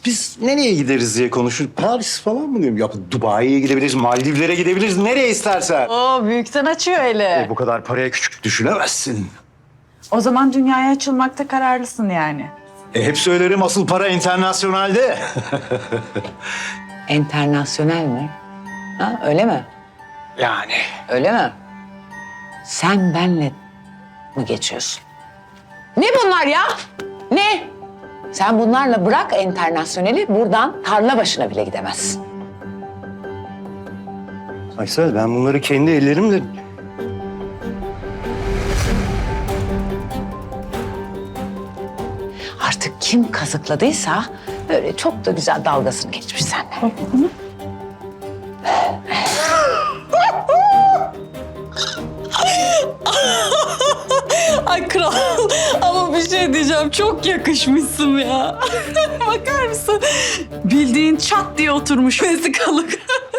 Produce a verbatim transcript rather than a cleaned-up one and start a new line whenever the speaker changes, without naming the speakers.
Biz nereye gideriz diye konuşuyoruz. Paris falan mı diyorum? Ya Dubai'ye gidebiliriz, Maldivlere gidebiliriz. Nereye istersen.
Oo, büyükten açıyor hele.
E, bu kadar paraya küçük düşünemezsin.
O zaman dünyaya açılmakta kararlısın yani.
E, hep söylerim asıl para internasyonalde.
Enternasyonel mi? Ha, öyle mi?
Yani.
Öyle mi? Sen benle mi geçiyorsun? Ne bunlar ya? Ne? Sen bunlarla bırak enternasyoneli, buradan tarla başına bile gidemezsin.
Aysel, ben bunları kendi ellerimle...
Artık kim kazıkladıysa böyle çok da güzel dalgasını geçmiş seninle.
Ay kral ama bir şey diyeceğim. Çok yakışmışsın ya. Bakar mısın? Bildiğin çat diye oturmuş vesikalık.